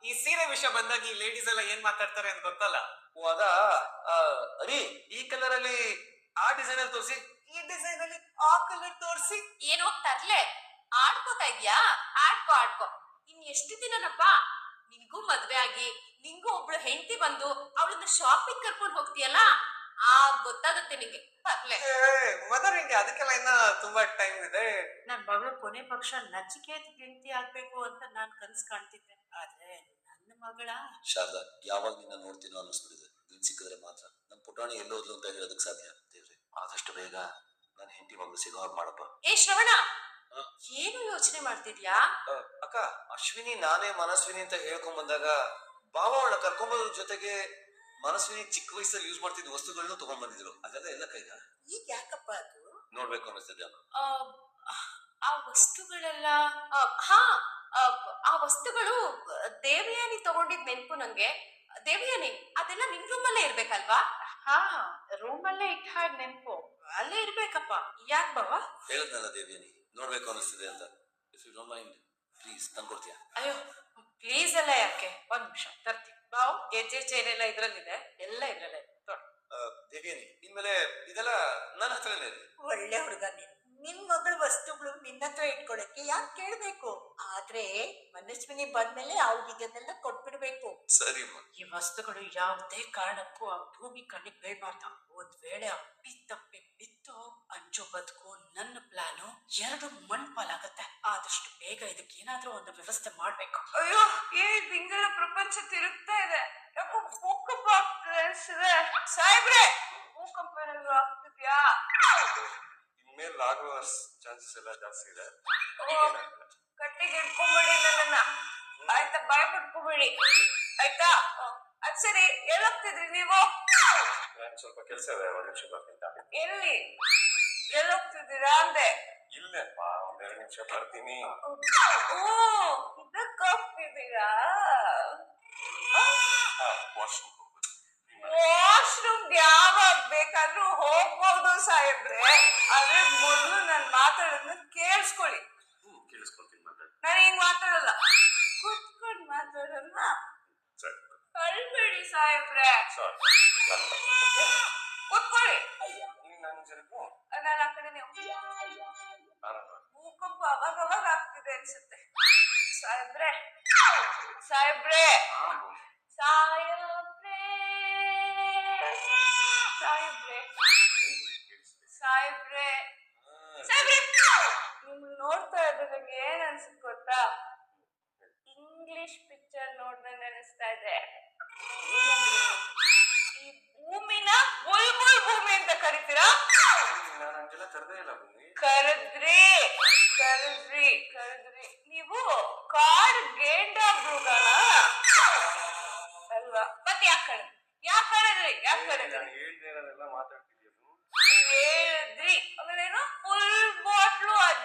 ಈ ಸೀರೆ ವಿಷಯ ಬಂದಾಗ ಈ ಲೇಡೀಸ್ ಎಲ್ಲ ಏನ್ ಮಾತಾಡ್ತಾರೆ ಅಂತ ಗೊತ್ತಲ್ಲ. ಓ ಅದಾ ಅರಿ ಈ ಕಲರ್ ಅಲ್ಲಿ ಆ ಡಿಸೈನ್ ಅಲ್ಲಿ ತೋರಿಸಿ, ಈ ಡಿಸೈನ್ ಅಲ್ಲಿ ಆ ಕಲರ್ ತೋರಿಸಿ. ಏನೋ ತರ್ಲೆ ಆಡ್ಕೋತಾ ಇದ್ಯಾ? ಆಡ್ಕೋ ಆಡ್ಕೋ. ಇನ್ ಎಷ್ಟು ದಿನನಪ್ಪ ನಿನ್ಗೂ ಮದ್ವೆ ಆಗಿ ನಿಂಗೂ ಒಬ್ಳು ಹೆಂಡತಿ ಬಂದು ಅವಳನ್ನ ಶಾಪಿಂಗ್ ಕರ್ಕೊಂಡು ಹೋಗ್ತೀಯಲ್ಲ, ಗೊತ್ತಾಗುತ್ತೆ ನಿಂಗೆ. ತರ್ಲೆ ಮದರ್ ಇಂಡಿಯಾ, ಅದಕ್ಕೆಲ್ಲ ಇನ್ನ ತುಂಬಾ ಟೈಮ್ ಇದೆ. ನನ್ ಮಗಳು ಕೊನೆ ಪಕ್ಷ ನಚಿಕೇತ್ ಗೆಳತಿ ಆಗ್ಬೇಕು ಅಂತ ನಾನ್ ಕನ್ಸ್ ಕಾಣ್ತಿದ್ದೆ. ಆದ್ರೆ ನನ್ನ ಮಗಳ ಶಾರದಾ ಯಾವಾಗ ನಿನ್ನ ನೋಡ್ತೀನೋ ಅನ್ನಿಸ್ಬಿಡಿದೆ. ನೀನ್ ಸಿಕ್ಕಿದ್ರೆ ಮಾತ್ರ ನಮ್ ಪುಟಾಣಿ ಎಲ್ಲೋದ್ಲು ಅಂತ ಹೇಳೋದಕ್ ಸಾಧ್ಯ. ದೇವ್ರೆ ಆದಷ್ಟು ಬೇಗ ನನ್ನ ಹೆಂಡತಿ ಮಗಳು ಸಿಗೋ ಹಾಗೆ ಮಾಡಪ್ಪ. ಏ ಶ್ರವಣ, ಏನು ಯೋಚನೆ ಮಾಡ್ತಿದ್ಯಾ? ಅಕ್ಕ, ಅಶ್ವಿನಿ ನಾನೇ ಮನಸ್ವಿನಿ ಅಂತ ಹೇಳ್ಕೊಂಡ್ ಬಂದಾಗ ಬಾವ ಅವಳ ಕರ್ಕೊಂಬರೋದ್ರ ಜೊತೆಗೆ ಮನಸ್ವಿನಿ ಚಿಕ್ಕ ವಯಸ್ಸಲ್ಲಿ ಯೂಸ್ ಮಾಡ್ತಿದ್ದ ವಸ್ತುಗಳನ್ನೂ ತಗೊಂಡ್ ಬಂದಿದ್ರು. ಅದೆಲ್ಲ ಎಲ್ಲ ಕೈಗ ಈಗ ಯಾಕಪ್ಪ ಅದು ನೋಡ್ಬೇಕು ಅನ್ನಿಸ್ತಿದ್ದೆ. ಆ ವಸ್ತುಗಳೆಲ್ಲ ಹಾ ಆ ವಸ್ತುಗಳು ದೇವಯಾನಿ ತಗೊಂಡಿದ್ ನೆನ್ಪು ನಂಗೆ. ದೇವಯಾನಿ, ಅದೆಲ್ಲ ನಿನ್ ರೂಮಲ್ಲೇ ಇರ್ಬೇಕಲ್ವಾ? ಹಾ, ರೂಮಲ್ಲೇ ಇಟ್ಟ ಹಾಗೆ ನೆನ್ಪು ಅಲ್ಲೇ ಇರ್ಬೇಕಪ್ಪ. ಯಾಕೆ ಬಾವ? ಹೇಳದ್ನಲ್ಲ ದೇವಿಯನಿ, ನೋಡ್ಬೇಕು ಅನ್ನಿಸ್ತಿದೆ ಅಂತ. If you don't mind please ತಂದ್ಕೊಡ್ತೀಯಾ? ಅಯ್ಯೋ ಪ್ಲೀಸ್ ಎಲ್ಲ ಯಾಕೆ, ಒಂದ್ ನಿಮಿಷ ತರ್ತೀನಿ. ಬಾವು ಗೆಜ್ಜೆ ಚೈನ್ ಎಲ್ಲ ಇದ್ರಲ್ಲಿದೆ, ಎಲ್ಲ ಇದ್ರಲ್ಲೇ. ದೇವಿಯನಿ, ಇನ್ಮೇಲೆ ಇದೆಲ್ಲ ನನ್ನ ಹತ್ರನೇ ಇದೆ. ಒಳ್ಳೆ ಹುಡುಗ ನೀನು. ನಿನ್ ಮಗಳ ವಸ್ತುಗಳು ನಿನ್ನತ್ರ ಇಟ್ಕೊಳಕ್ಕೆ ಯಾಕೆ ಕೇಳ್ಬೇಕು? ಆದ್ರೆ ಮನಸ್ವಿನಿ ಬಂದ್ಮೇಲೆ ಅವ್ರಿಗೆಲ್ಲ ಕೊಟ್ಬಿಡ್ಬೇಕು. ಸರಿ ಈ ವಸ್ತುಗಳು ಯಾವುದೇ ಕಾರಣಕ್ಕೂ ಆ ಭೂಮಿ ಕಣ್ಣಿಗೆ ಬೀಳ್ಬಾರ್ದು. ಒಂದ್ ವೇಳೆ ಅಪ್ಪಿ ತಪ್ಪಿ ಬಿತ್ತು ಅಂಜು ಬದುಕು ನನ್ನ ಪ್ಲಾನು ಎರಡು ಮಣ್ಪಾಲಾಗತ್ತೆ. ಆದಷ್ಟು ಬೇಗ ಇದಕ್ಕೆ ಏನಾದ್ರೂ ಒಂದು ವ್ಯವಸ್ಥೆ ಮಾಡ್ಬೇಕು. ಅಯ್ಯೋ, ಹಿಂಗೆಲ್ಲ ಪ್ರಪಂಚ ತಿರುಗ್ತಾ ಇದೆ. ಯಾಕೋ ಭೂಕಂಪ ಆಗ್ತದೆ ಅನ್ಸಿದೆ. ಸಾಹೇಬ್ರೆ, ಭೂಕಂಪ ಏನಾದ್ರು ಆಗ್ತಿದ್ಯಾ? ಇನ್ಮೇಲೆ ಆಗುವ ಚಾನ್ಸಸ್ ಎಲ್ಲ ಜಾಸ್ತಿ ಇದೆ. ಕಟ್ಟಿಗೆ ಇಟ್ಕೊಂಬೇಡಿ ನನ್ನನ್ನ, ಆಯ್ತಾ? ಭಯ ಪಡ್ಕೋಬೇಡಿ ಆಯ್ತಾ? ಅದ್ ಸರಿ, ಎಲ್ಲೋಗ್ತಿದ್ರಿ ನೀವು? ಸ್ವಲ್ಪ ಕೆಲಸ ಇದೆ, ಒಂದ್ ನಿಮಿಷ ಬರ್ತೀನಿ. ಎಲ್ಲಿ ಎಲ್ಲೋಗ್ತಿದ್ದೀರಾ ಅಂದೆ? ಇಲ್ಲೇಪ್ಪ, ಒಂದೆರಡು ನಿಮಿಷ ಬರ್ತೀನಿ. ಓ, ಇದಕ್ಕೆ ಹೋಗ್ತಿದ್ದೀರಾ? ವಾಶ್ರೂಮ್ ಯಾವಾಗ ಬೇಕಾದ್ರೂ ಹೋಗ್ಬೋದು ಸಾಹೇಬ್ರೆ, ಆದ್ರೆ ಮೊದಲು ನಾನು ಮಾತಾಡೋದನ್ನ ಕೇಳಿಸ್ಕೊಳ್ಳಿ. ಕೇಳಿಸ್ಕೊಳ್ತೀನಿ, ಮಾತಾಡಿ. ನಾನು ಹಿಂಗ್ ಮಾತಾಡಲ್ಲ, ಕುತ್ಕೊಂಡು ಮಾತಾಡೋಣ. ಕಳ್ಬೇಡಿ ಸಾಹೇಬ್ರೆ, ಕುತ್ಕೊಳ್ಳಿ. ನಾನು ಆ ಕಡೆ ಭೂಕಂಪ ಅವಾಗ ಅವಾಗ ಆಗ್ತಿದೆ ಅನ್ಸುತ್ತೆ. ಸಾಹೇಬ್ರೆ ಸಾಹೇಬ್ರೆ ಸಾಹೇಬ್ರೆ ಸಾಹೇಬ್ರೆ ಸಾಹೇಬ್ರೆ ಸಾಹೇಬ್ರೆ, ನಿಮ್ಗೆ ನೋಡ್ತಾ ಇದ್ರೆ ನಂಗೆ ಏನ್ ಅನ್ಸುತ್ತೆ ಗೊತ್ತಾ? ಇಂಗ್ಲಿಷ್ ಪಿಕ್ಚರ್ ನೋಡ್ದಂಗೆ ಅನಿಸ್ತಾ ಇದೆ. ಈ ಭೂಮಿನ ಬುಲ್ಬುಲ್ ಭೂಮಿ ಅಂತ ಕರಿತೀರಾ? ಕರೆದ್ರಿ ಕರೆದ್ರಿ ಕರೆದ್ರಿ. ನೀವು ಕಾಡ್ ಗೇಂಡ ಮೃಗನ ಅಲ್ವಾ? ಮತ್ತೆ ಯಾಕೆ ಕರೆದ್ರಿ? ಯಾಕೆ ಕರೆದ್ರಿ? ಯಾಕೆ ಕರೆದ್ರಿ? ಹೇಳಿದ್ರಿ. ಆಮೇಲೆ ಏನೋ ಫುಲ್ ಬಾಟ್ಲು